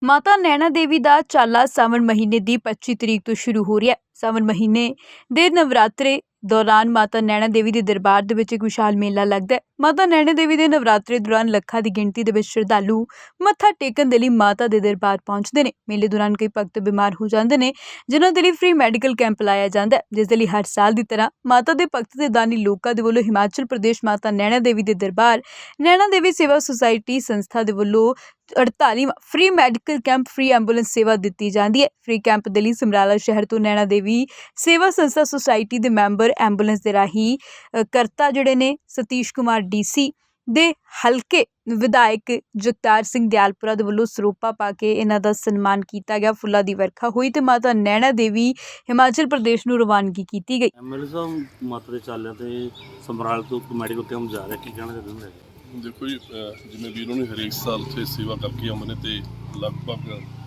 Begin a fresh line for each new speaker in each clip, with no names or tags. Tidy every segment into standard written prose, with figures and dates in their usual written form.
ਮਾਤਾ ਨੈਣਾ ਦੇਵੀ ਦਾ ਚਾਲਾ ਸਾਵਣ ਮਹੀਨੇ ਦੀ 25 ਤਰੀਕ ਤੋਂ ਸ਼ੁਰੂ ਹੋ ਰਿਹਾ ਹੈ। ਸਾਵਣ ਮਹੀਨੇ ਦੇ ਨਵਰਾਤਰੇ ਦੌਰਾਨ ਮਾਤਾ ਨੈਣਾ ਦੇਵੀ ਦੇ ਦਰਬਾਰ ਦੇ ਵਿੱਚ ਇੱਕ ਵਿਸ਼ਾਲ ਮੇਲਾ ਲੱਗਦਾ ਹੈ। ਮਾਤਾ ਨੈਣਾ ਦੇਵੀ ਦੇ ਨਵਰਾਤਰੇ ਦੌਰਾਨ ਲੱਖਾਂ ਦੀ ਗਿਣਤੀ ਦੇ ਵਿੱਚ ਸ਼ਰਧਾਲੂ ਮੱਥਾ ਟੇਕਣ ਦੇ ਲਈ ਮਾਤਾ ਦੇ ਦਰਬਾਰ ਪਹੁੰਚਦੇ ਨੇ। ਮੇਲੇ ਦੌਰਾਨ ਕਈ ਭਗਤ ਬਿਮਾਰ ਹੋ ਜਾਂਦੇ ਨੇ, ਜਿਨ੍ਹਾਂ ਦੇ ਲਈ ਫ੍ਰੀ ਮੈਡੀਕਲ ਕੈਂਪ ਲਾਇਆ ਜਾਂਦਾ ਹੈ, ਜਿਸ ਦੇ ਲਈ ਹਰ ਸਾਲ ਦੀ ਤਰ੍ਹਾਂ ਮਾਤਾ ਦੇ ਭਗਤ ਤੇ ਦਾਨੀ ਲੋਕਾਂ ਦੇ ਵੱਲੋਂ ਹਿਮਾਚਲ ਪ੍ਰਦੇਸ਼ ਮਾਤਾ ਨੈਣਾ ਦੇਵੀ ਦੇ ਦਰਬਾਰ ਨੈਣਾ ਦੇਵੀ ਸੇਵਾ ਸੁਸਾਇਟੀ ਸੰਸਥਾ ਦੇ ਵੱਲੋਂ 48ਵਾਂ free medical camp free ambulance ਸੇਵਾ ਦਿੱਤੀ ਜਾਂਦੀ ਹੈ। ਫ੍ਰੀ ਕੈਂਪ ਦੇ ਲਈ ਸਮਰਾਲਾ ਸ਼ਹਿਰ ਤੋਂ ਨੈਣਾ ਦੇਵੀ ਸੇਵਾ ਸੰਸਥਾ ਸੁਸਾਇਟੀ ਦੇ ਮੈਂਬਰ ਐਂਬੂਲੈਂਸ ਦੇ ਰਾਹੀਂ ਕਰਤਾ ਜਿਹੜੇ ਨੇ ਸਤੀਸ਼ ਕੁਮਾਰ ਡੀਸੀ ਦੇ ਹਲਕੇ ਵਿਧਾਇਕ ਜਗਤਾਰ ਸਿੰਘ ਦਿਆਲਪੁਰਾ ਦੇ ਵੱਲੋਂ ਸਰੋਪਾ ਪਾ ਕੇ ਇਹਨਾਂ ਦਾ ਸਨਮਾਨ ਕੀਤਾ ਗਿਆ। ਫੁੱਲਾਂ ਦੀ ਵਰਖਾ ਹੋਈ ਤੇ ਮਾਤਾ ਨੈਣਾ ਦੇਵੀ ਹਿਮਾਚਲ ਪ੍ਰਦੇਸ਼ ਨੂੰ ਰਵਾਨਗੀ ਕੀਤੀ ਗਈ।
ਐਮਐਲਏ ਸਾਹਿਬ ਮਾਤਾ ਦੇ ਚਾਲਿਆਂ ਤੇ ਸਮਰਾਲ ਤੋਂ ਮੈਡੀਕਲ ਕੈਂਪ ਜਾ ਰਿਹਾ, ਕੀ ਕਹਿਣਾ ਚਾਹੁੰਦੇ ਹੋ?
देखो जी, जिमें वीरों ने हरेक साल उत्थे सेवा करके आਉਂਦੇ ਨੇ ਤੇ ਲਗਭਗ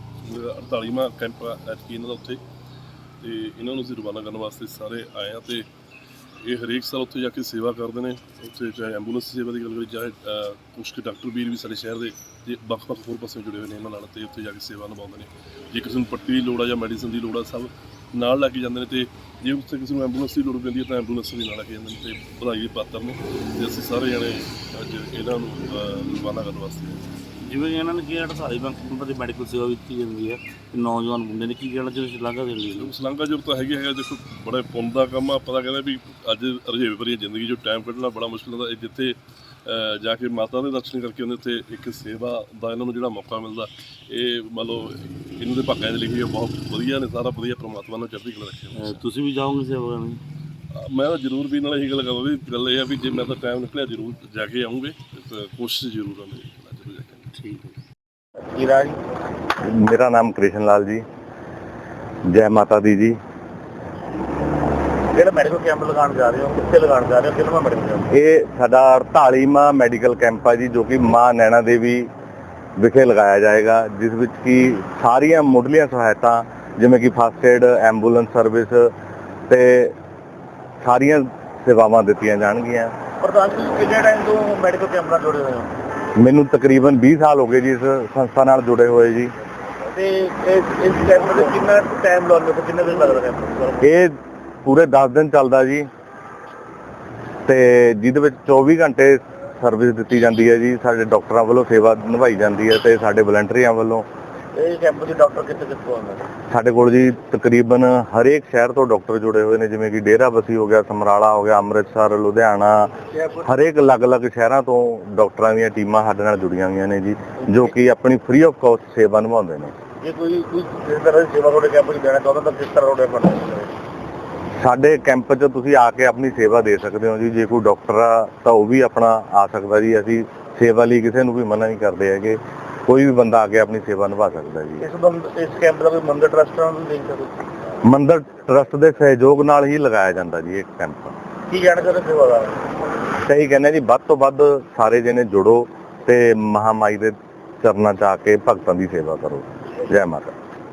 48ਵਾਂ ਕੈਂਪ ਐਤਕੀ ਇਹਨਾਂ ਦਾ ਉੱਥੇ ਤੇ ਇਹਨਾਂ ਨੂੰ ਅਸੀਂ ਰਵਾਨਾ ਕਰਨ ਵਾਸਤੇ ਸਾਰੇ ਆਏ ਆ ਤੇ ਇਹ ਹਰੇਕ ਸਾਲ ਉੱਥੇ ਜਾ ਕੇ ਸੇਵਾ ਕਰਦੇ ਨੇ। ਉੱਥੇ ਚਾਹੇ ਐਂਬੂਲੈਂਸ ਸੇਵਾ ਦੀ ਗੱਲ ਕਰੀ, ਚਾਹੇ ਕੁਛ ਕੁ ਡਾਕਟਰ ਵੀਰ ਵੀ ਸਾਡੇ ਸ਼ਹਿਰ ਦੇ ਜੇ ਵੱਖ-ਵੱਖ ਹੋਰ ਪਾਸੇ ਜੁੜੇ ਹੋਏ ਨੇ ਇਹਨਾਂ ਨਾਲ ਤੇ ਉੱਥੇ ਜਾ ਕੇ ਸੇਵਾ ਨਿਭਾਉਂਦੇ ਨੇ। ਜੇ ਕਿਸੇ ਨੂੰ ਪੱਟੀ ਦੀ ਲੋੜ ਆ ਜਾਂ ਮੈਡੀਸਨ ਦੀ ਲੋੜ ਆ, ਸਭ ਨਾਲ ਲੈ ਕੇ ਜਾਂਦੇ ਨੇ ਤੇ ਜੇ ਉੱਥੇ ਕਿਸੇ ਨੂੰ ਐਂਬੂਲੈਂਸ ਦੀ ਲੋੜ ਪੈਂਦੀ ਹੈ ਤਾਂ ਐਂਬੂਲੈਂਸ ਵੀ ਨਾਲ ਲੈ ਕੇ ਜਾਂਦੇ ਨੇ ਤੇ ਵਧਾਈ ਦੇ ਪਾਤਰ ਨੇ ਤੇ ਅਸੀਂ ਸਾਰੇ ਜਣੇ ਅੱਜ ਇਹਨਾਂ ਨੂੰ ਰਵਾਨਾ ਕਰਨ ਵਾਸਤੇ ਆਏ।
ਜਿਵੇਂ ਇਹਨਾਂ ਨੇ ਕਿਹਾ 48ਵਾਂ ਕੈਂਪ ਦੀ ਮੈਡੀਕਲ ਸੇਵਾ ਦਿੱਤੀ ਜਾਂਦੀ ਹੈ ਤੇ ਨੌਜਵਾਨ ਮੁੰਡੇ ਨੇ ਕੀ ਕਹਿਣਾ ਚਾਹੁੰਦੇ ਸ਼ਲਾਘਾ ਦੇਣ ਲਈ?
ਸ਼ਲਾਘਾ ਜੋ ਤਾਂ ਹੈਗਾ ਦੇਖੋ, ਬੜਾ ਪੁੰਨ ਦਾ ਕੰਮ ਆ। ਪਤਾ ਕਹਿੰਦਾ ਵੀ ਅੱਜ ਰੁਝੇਵੇ ਭਰੀ ਜ਼ਿੰਦਗੀ ਜੋ ਟਾਈਮ ਕੱਢਣਾ ਬੜਾ ਮੁਸ਼ਕਿਲ ਹੁੰਦਾ। ਜਿੱਥੇ ਜਾ ਕੇ ਮਾਤਾ ਦੇ ਦਰਸ਼ਨ ਕਰਕੇ ਉਹਦੇ ਉੱਤੇ ਇੱਕ ਸੇਵਾ ਦਾ ਇਹਨਾਂ ਨੂੰ ਜਿਹੜਾ ਮੌਕਾ ਮਿਲਦਾ, ਇਹ ਮੰਨ ਲਓ ਇਹਨਾਂ ਦੇ ਭਾਗਾਂ ਦੇ ਲਿਖੀ ਬਹੁਤ ਵਧੀਆ ਨੇ। ਸਾਰਾ ਵਧੀਆ ਪਰਮਾਤਮਾ ਨੂੰ ਚੜ੍ਹਦੀ ਕਲਾ ਰੱਖੇ।
ਤੁਸੀਂ ਵੀ ਜਾਓਗੇ ਸੇਵਾ ਕਰਨ?
ਮੈਂ ਤਾਂ ਜ਼ਰੂਰ ਵੀ ਨਾਲ ਇਹੀ ਗੱਲ ਕਰਾਂ ਵੀ ਗੱਲ ਇਹ ਆ ਵੀ ਜੇ ਮੈਂ ਤਾਂ ਟਾਈਮ ਨਿਕਲਿਆ ਜ਼ਰੂਰ ਜਾ ਕੇ ਆਉਂਗੇ, ਕੋਸ਼ਿਸ਼ ਜ਼ਰੂਰ ਆ ਮੇਰੀ ਜ਼ਰੂਰ ਜਾ ਕੇ।
ਠੀਕ ਹੈ
जी राज, मेरा नाम कृष्ण लाल जी। जय माता दी जी।
ਜਿਹੜਾ ਮੈਡੀਕਲ ਕੈਂਪ ਲਗਾਉਣ ਜਾ ਰਹੇ ਹੋ, ਕਿੱਥੇ ਲਗਾਉਣ ਜਾ ਰਹੇ ਹੋ, ਕਿਹੜਾ ਮੈਡੀਕਲ ਕੈਂਪ?
ਇਹ ਸਾਡਾ 48ਵਾਂ ਮੈਡੀਕਲ ਕੈਂਪ ਹੈ ਜੀ, ਜੋ ਕਿ ਮਾਂ ਨੈਣਾ ਦੇਵੀ ਵਿਖੇ ਲਗਾਇਆ ਜਾਏਗਾ, ਜਿਸ ਵਿੱਚ ਕਿ ਸਾਰੀਆਂ ਮੁੱਢਲੀਆਂ ਸਹਾਇਤਾ ਜਿਵੇਂ ਕਿ ਫਸਟ ਏਡ, ਐਂਬੂਲੈਂਸ ਸਰਵਿਸ ਤੇ ਸਾਰੀਆਂ ਸੇਵਾਵਾਂ ਦਿੱਤੀਆਂ ਜਾਣਗੀਆਂ।
ਪ੍ਰਧਾਨ ਜੀ, ਕਿੰਨੇ ਟਾਈਮ ਤੋਂ ਮੈਡੀਕਲ ਕੈਂਪ ਨਾਲ ਜੁੜੇ ਹੋਏ ਹੋ?
ਮੈਨੂੰ ਤਕਰੀਬਨ 20 ਸਾਲ ਹੋ ਗਏ ਜੀ ਇਸ ਸੰਸਥਾ ਨਾਲ ਜੁੜੇ ਹੋਏ ਜੀ।
ਤੇ ਇਸ ਕੈਂਪ ਦੇ ਕਿੰਨਾ ਟਾਈਮ ਲਾਉਂਦੇ ਹੋ, ਕਿੰਨੇ ਦਿਨ ਲੱਗਦਾ ਕੈਂਪ?
ਇਹ ਪੂਰੇ 10 ਦਿਨ ਚੱਲਦਾ ਜੀ ਤੇ ਜਿਹਦੇ ਵਿੱਚ 24 ਘੰਟੇ ਸਰਵਿਸ ਦਿੱਤੀ ਜਾਂਦੀ ਹੈ ਜੀ। ਸਾਡੇ ਡਾਕਟਰਾਂ ਵੱਲੋਂ ਸੇਵਾ ਨਿਭਾਈ ਜਾਂਦੀ ਹੈ ਤੇ ਸਾਡੇ ਵਲੰਟੀਅਰਾਂ ਵੱਲੋਂ।
ਇਹ ਕੈਂਪ ਦੇ ਡਾਕਟਰ ਕਿੱਥੋਂ ਆਉਂਦੇ ਨੇ?
ਸਾਡੇ ਕੋਲ ਜੀ ਤਕਰੀਬਨ ਹਰੇਕ ਸ਼ਹਿਰ ਤੋਂ ਡਾਕਟਰ ਜੁੜੇ ਹੋਏ ਨੇ, ਜਿਵੇਂ ਕਿ ਡੇਰਾਬੱਸੀ ਹੋ ਗਿਆ, ਸਮਰਾਲਾ ਹੋ ਗਿਆ, ਅੰਮ੍ਰਿਤਸਰ, ਲੁਧਿਆਣਾ, ਹਰੇਕ ਅਲੱਗ-ਅਲੱਗ ਸ਼ਹਿਰਾਂ ਤੋਂ ਡਾਕਟਰਾਂ ਦੀਆਂ ਟੀਮਾਂ ਸਾਡੇ ਨਾਲ ਜੁੜੀਆਂ ਹੋਈਆਂ ਨੇ ਜੀ, ਜੋ ਕਿ ਆਪਣੀ ਫ੍ਰੀ ਆਫ ਕਾਸਟ ਸੇਵਾ ਨਿਭਾਉਂਦੇ ਨੇ।
ਜੇ ਕੋਈ ਇਸ ਤਰ੍ਹਾਂ ਦੀ ਸੇਵਾ ਤੁਹਾਡੇ ਕੈਂਪ 'ਚ ਦੇਣਾ ਚਾਹੁੰਦਾ ਤਾਂ ਕਿਸ ਤਰ੍ਹਾਂ ਤੁਹਾਡੇ ਫੰਡ?
ਸਾਡੇ ਕੈਂਪ 'ਚ ਤੁਸੀਂ ਆ ਕੇ ਆਪਣੀ ਸੇਵਾ ਦੇ ਸਕਦੇ ਹੋ ਜੀ। ਜੇ ਕੋਈ ਡਾਕਟਰ ਆ ਤਾਂ ਉਹ ਵੀ ਆਪਣਾ ਆ ਸਕਦਾ ਜੀ। ਅਸੀਂ ਸੇਵਾ ਲਈ ਕਿਸੇ ਨੂੰ ਵੀ ਮਨਾ ਨਹੀਂ ਕਰਦੇ ਹੈਗੇ, ਕੋਈ ਵੀ ਬੰਦਾ ਆ ਕੇ ਆਪਣੀ ਸੇਵਾ ਨਿਭਾ ਸਕਦਾ ਜੀ।
ਇਸ ਕੈਂਪ ਦਾ ਕੋਈ ਮੰਦਰ ਟਰਸਟ ਨਾਲ ਵੀ ਲਿੰਕ ਹੈ?
ਮੰਦਰ ਟਰਸਟ ਦੇ ਸਹਿਯੋਗ ਨਾਲ ਹੀ ਲਗਾਇਆ ਜਾਂਦਾ ਜੀ ਇਹ ਕੈਂਪ।
ਕੀ ਕਹਿਣਾ ਚਾਹੁੰਦੇ ਸੇਵਾਦਾਰ?
ਸਹੀ ਕਹਿੰਦੇ ਜੀ, ਵੱਧ ਤੋਂ ਵੱਧ ਸਾਰੇ ਜਣੇ ਜੁੜੋ ਤੇ ਮਹਾਮਾਈ ਦੇ ਚਰਨਾਂ 'ਚ ਆ ਕੇ ਭਗਤਾਂ ਦੀ ਸੇਵਾ ਕਰੋ। ਜੈ ਮਾਤਾ।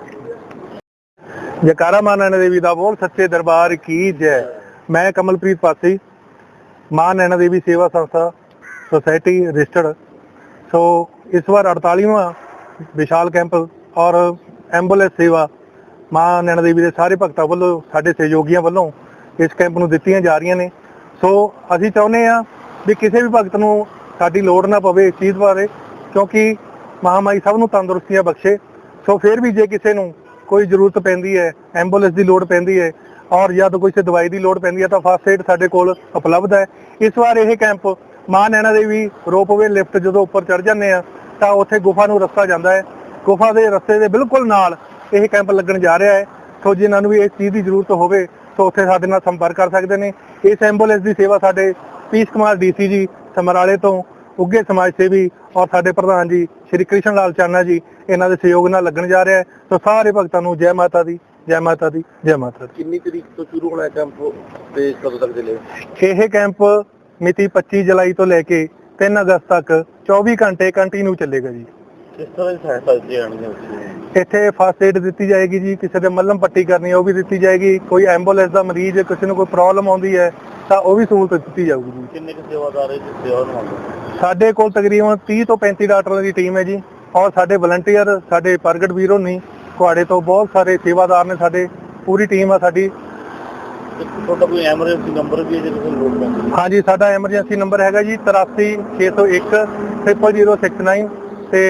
जयकारा मां नैना देवी दा बोल, सच्चे दरबार की जय। मैं कमलप्रीत पासी, मां नैना देवी सेवा संस्था सोसाइटी रजिस्टर्ड। सो इस बार 48वां विशाल कैंप और एंबूलेंस सेवा मां नैना देवी के सारे भगतां वालों, साडे सहयोगियों वालों इस कैंप नूं दित्तियां जा रहीआं ने। सो असीं चाहुंदे आ भी किसी भी भगत नूं साडी लोड़ ना पवे इस चीज़ बारे, क्योंकि महामाई सब नूं तंदुरुस्तियां बख्शे। सो फिर भी जे किसी नूं कोई जरूरत पैंदी है, एंबूलेंस की लोड़ पैंदी है और या तो कोई दवाई की लोड़ पैंदी है तो फस्ट एड साडे कोल उपलब्ध है। इस बार यह कैंप मां नैना देवी रोपवे लिफ्ट जो उपर चढ़ जाते हैं तो उत्थे गुफा नूं रस्ता जाता है, गुफा के रस्ते के बिल्कुल नाल यह कैंप लगन जा रहा है। सो जिन्होंने भी इस चीज़ की जरूरत होवे तो उत्थे साडे नाल संपर्क कर सकते हैं। इस एंबूलेंस की सेवा साडे सतीश कुमार डीसी जी समराले तो उगे समाज सेवी और साडे प्रधान जी श्री कृष्ण लाल चाना जी इन्हां दे सहयोग नाल लगन जा रहा है। तो सारे भगतां नूं जय माता दी, जय माता दी, जय माता दी।
कितनी तरीक तो शुरू होना है कैंप ते कदों तक चलेगा?
यह कैंप मिति 25 जुलाई तो लैके 3 अगस्त तक 24 घंटे कंटिन्यू चलेगा जी।
किस तरह की सहायता दी जानी?
इत्थे फस्ट एड दी जाएगी जी, किसी ने मलम पट्टी करनी है वो भी दी जाएगी, कोई एंबूलेंस का मरीज किसी को कोई प्रॉब्लम आती है तो वह भी सहूलत दी जाएगी जी।
किन्ने के सेवादार सेवा निभाते?
साडे कोल तकरीबन 30 तो 35 डॉक्टरों की टीम है जी, ਔਰ ਸਾਡੇ ਵਲੰਟੀਅਰ ਸਾਡੇ ਪ੍ਰਗਟ ਵੀਰ ਹੋਣੀ ਕੁਹਾੜੇ ਤੋਂ ਬਹੁਤ ਸਾਰੇ ਸੇਵਾਦਾਰ ਨੇ, ਸਾਡੇ ਪੂਰੀ ਟੀਮ ਆ ਸਾਡੀ।
ਤੁਹਾਡਾ ਕੋਈ ਐਮਰਜੈਂਸੀ ਨੰਬਰ ਵੀ ਹੈ ਜੇ ਕਿਸੇ ਨੂੰ ਲੋੜ ਪੈਂਦੀ?
ਹਾਂਜੀ, ਸਾਡਾ ਐਮਰਜੈਂਸੀ ਨੰਬਰ ਹੈਗਾ ਜੀ 83 601 0069 ਤੇ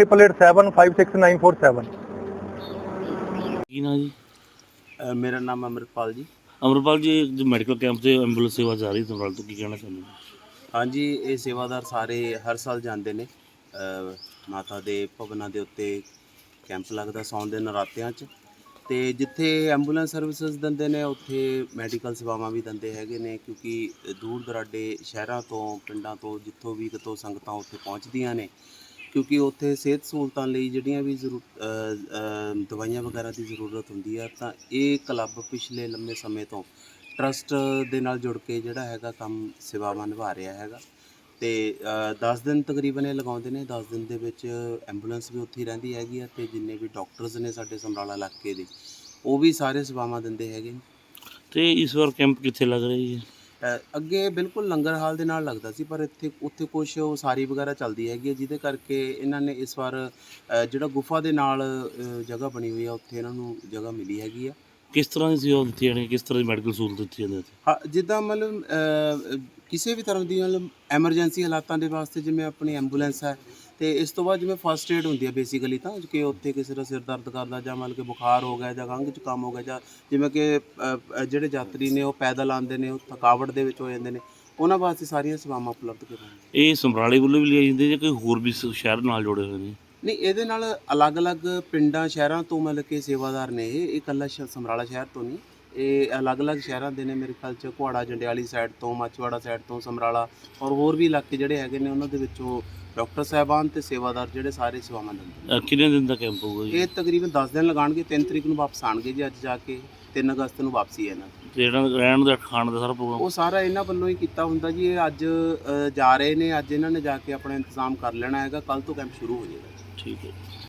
9887
ਕੀ ਨਾਂ ਜੀ?
ਮੇਰਾ ਨਾਮ ਅਮਰਪਾਲ ਜੀ।
ਅਮਰਪਾਲ ਜੀ, ਜੋ ਮੈਡੀਕਲ ਕੈਂਪ ਤੇ ਐਂਬੂਲੈਂਸ ਸੇਵਾ ਜਾ ਰਹੀ ਸਮਰਾਲ ਤੋਂ, ਕੀ ਕਹਿਣਾ ਚਾਹੁੰਦੇ ਹੋ?
ਹਾਂਜੀ, ਇਹ ਸੇਵਾਦਾਰ ਸਾਰੇ ਹਰ ਸਾਲ ਜਾਂਦੇ ਨੇ। ਮਾਤਾ ਦੇ ਭਵਨਾਂ ਦੇ ਉੱਤੇ ਕੈਂਪ ਲੱਗਦਾ ਸਾਉਣ ਦੇ ਨਰਾਤਿਆਂ 'ਚ, ਤੇ ਜਿੱਥੇ ਐਂਬੂਲੈਂਸ ਸਰਵਿਸਿਜ਼ ਦਿੰਦੇ ਨੇ ਉੱਥੇ ਮੈਡੀਕਲ ਸੇਵਾਵਾਂ ਵੀ ਦਿੰਦੇ ਹੈਗੇ ਨੇ, ਕਿਉਂਕਿ ਦੂਰ ਦਰਾਡੇ ਸ਼ਹਿਰਾਂ ਤੋਂ ਪਿੰਡਾਂ ਤੋਂ ਜਿੱਥੋਂ ਵੀ ਕਿਤੋਂ ਸੰਗਤਾਂ ਉੱਥੇ ਪਹੁੰਚਦੀਆਂ ਨੇ, ਕਿਉਂਕਿ ਉੱਥੇ ਸਿਹਤ ਸਹੂਲਤਾਂ ਲਈ ਜਿਹੜੀਆਂ ਵੀ ਦਵਾਈਆਂ ਵਗੈਰਾ ਦੀ ਜ਼ਰੂਰਤ ਹੁੰਦੀ ਆ, ਤਾਂ ਇਹ ਕਲੱਬ ਪਿਛਲੇ ਲੰਮੇ ਸਮੇਂ ਤੋਂ ਟਰਸਟ ਦੇ ਨਾਲ ਜੁੜ ਕੇ ਜਿਹੜਾ ਹੈਗਾ ਕੰਮ ਸੇਵਾਵਾਂ ਨਿਭਾ ਰਿਹਾ ਹੈਗਾ। ਤੇ 10 ਦਿਨ ਤਕਰੀਬਨ ਇਹ ਲਗਾਉਂਦੇ ਨੇ। 10 ਦਿਨ ਦੇ ਵਿੱਚ ਐਂਬੂਲੈਂਸ ਵੀ ਉੱਥੇ ਹੀ ਰਹਿੰਦੀ ਹੈਗੀ ਆ, ਤੇ ਜਿੰਨੇ ਵੀ ਡਾਕਟਰਸ ਨੇ ਸਾਡੇ ਸਮਰਾਲਾ ਇਲਾਕੇ ਦੇ, ਉਹ ਵੀ ਸਾਰੇ ਸੇਵਾਵਾਂ ਦਿੰਦੇ ਹੈਗੇ ਨੇ।
ਤੇ ਇਸ ਵਾਰ ਕੈਂਪ ਕਿੱਥੇ ਲੱਗ ਰਿਹਾ ਜੀ?
ਅੱਗੇ ਬਿਲਕੁਲ ਲੰਗਰ ਹਾਲ ਦੇ ਨਾਲ ਲੱਗਦਾ ਸੀ, ਪਰ ਉੱਥੇ ਕੁਛ ਉਸਾਰੀ ਵਗੈਰਾ ਚੱਲਦੀ ਹੈਗੀ ਹੈ, ਜਿਹਦੇ ਕਰਕੇ ਇਹਨਾਂ ਨੇ ਇਸ ਵਾਰ ਜਿਹੜਾ ਗੁਫਾ ਦੇ ਨਾਲ ਜਗ੍ਹਾ ਬਣੀ ਹੋਈ ਆ, ਉੱਥੇ ਇਹਨਾਂ ਨੂੰ ਜਗ੍ਹਾ ਮਿਲੀ ਹੈਗੀ ਆ।
ਕਿਸ ਤਰ੍ਹਾਂ ਦੀ ਸੇਵਾ ਦਿੱਤੀ ਜਾਣੀ, ਕਿਸ ਤਰ੍ਹਾਂ ਦੀ ਮੈਡੀਕਲ ਸਹੂਲਤ ਦਿੱਤੀ ਜਾਂਦੀ ਹੈ?
ਹਾਂ, ਜਿੱਦਾਂ ਮਤਲਬ ਕਿਸੇ ਵੀ ਤਰ੍ਹਾਂ ਦੀ ਮਤਲਬ ਐਮਰਜੈਂਸੀ ਹਾਲਾਤਾਂ ਦੇ ਵਾਸਤੇ ਜਿਵੇਂ ਆਪਣੀ ਐਂਬੂਲੈਂਸ ਹੈ, ਤੇ ਇਸ ਤੋਂ ਬਾਅਦ ਜਿਵੇਂ ਫਸਟ ਏਡ ਹੁੰਦੀ ਹੈ ਬੇਸਿਕਲੀ, ਤਾਂ ਕਿ ਉੱਥੇ ਕਿਸੇ ਦਾ ਸਿਰ ਦਰਦ ਕਰਦਾ ਜਾਂ ਮਤਲਬ ਕਿ ਬੁਖਾਰ ਹੋ ਗਿਆ ਜਾਂ ਖੰਘ ਜ਼ੁਕਾਮ ਹੋ ਗਿਆ, ਜਾਂ ਜਿਵੇਂ ਕਿ ਜਿਹੜੇ ਯਾਤਰੀ ਨੇ ਉਹ ਪੈਦਲ ਆਉਂਦੇ ਨੇ, ਉਹ ਥਕਾਵਟ ਦੇ ਵਿੱਚ ਹੋ ਜਾਂਦੇ ਨੇ, ਉਹਨਾਂ ਵਾਸਤੇ ਸਾਰੀਆਂ ਸੇਵਾਵਾਂ ਉਪਲਬਧ ਕਰਵਾਉਂਦੇ।
ਇਹ ਸਮਰਾਲੇ ਵੱਲੋਂ ਵੀ ਲਿਆਈ ਜਾਂਦੀ ਜਾਂ ਕੋਈ ਹੋਰ ਵੀ ਸ਼ਹਿਰ ਨਾਲ ਜੁੜੇ ਹੋਏ ਨੇ?
ਨਹੀਂ, ਇਹਦੇ ਨਾਲ ਅਲੱਗ-ਅਲੱਗ ਪਿੰਡਾਂ ਸ਼ਹਿਰਾਂ ਤੋਂ ਮਤਲਬ ਕਿ ਸੇਵਾਦਾਰ ਨੇ। ਇਹ ਇਕੱਲਾ ਸਮਰਾਲਾ ਸ਼ਹਿਰ ਤੋਂ ਨਹੀਂ, ਇਹ ਅਲੱਗ-ਅਲੱਗ ਸ਼ਹਿਰਾਂ ਦੇ ਨੇ। ਮੇਰੇ ਖਿਆਲ 'ਚ ਕੁਹਾੜਾ ਜੰਡਿਆਲੀ ਸਾਈਡ ਤੋਂ, ਮਾਚੀਵਾੜਾ ਸਾਈਡ ਤੋਂ, ਸਮਰਾਲਾ ਔਰ ਹੋਰ ਵੀ ਇਲਾਕੇ ਜਿਹੜੇ ਹੈਗੇ ਨੇ, ਉਹਨਾਂ ਦੇ ਵਿੱਚੋਂ ਡਾਕਟਰ ਸਾਹਿਬਾਨ ਤੇ ਸੇਵਾਦਾਰ ਜਿਹੜੇ ਸਾਰੇ ਸੇਵਾਵਾਂ ਦਿੰਦੇ।
ਕਿੰਨੇ ਦਿਨ ਦਾ ਕੈਂਪ ਹੋਊਗਾ ਜੀ?
ਇਹ ਤਕਰੀਬਨ 10 ਦਿਨ ਲਗਾਉਣਗੇ। 3 ਤਰੀਕ ਨੂੰ ਵਾਪਸ ਆਉਣਗੇ ਜੀ, ਅੱਜ ਜਾ ਕੇ 3 ਅਗਸਤ ਨੂੰ ਵਾਪਸੀ ਹੈ ਇਹਨਾਂ ਦੀ।
ਤੇ ਜਿਹੜਾ ਰਹਿਣ ਦਾ ਖਾਣ ਦਾ ਸਾਰਾ ਪ੍ਰੋਗਰਾਮ
ਉਹ ਸਾਰਾ ਇਹਨਾਂ ਵੱਲੋਂ ਹੀ ਕੀਤਾ ਹੁੰਦਾ ਜੀ। ਇਹ ਅੱਜ ਜਾ ਰਹੇ ਨੇ, ਅੱਜ ਇਹਨਾਂ ਨੇ ਜਾ ਕੇ ਆਪਣਾ ਇੰਤਜ਼ਾਮ ਕਰ ਲੈਣਾ ਹੈਗਾ, ਕੱਲ੍ਹ ਤੋਂ ਕੈਂਪ ਸ਼ੁਰੂ ਹੋ ਜਾਏਗਾ।
ਠੀਕ ਹੈ।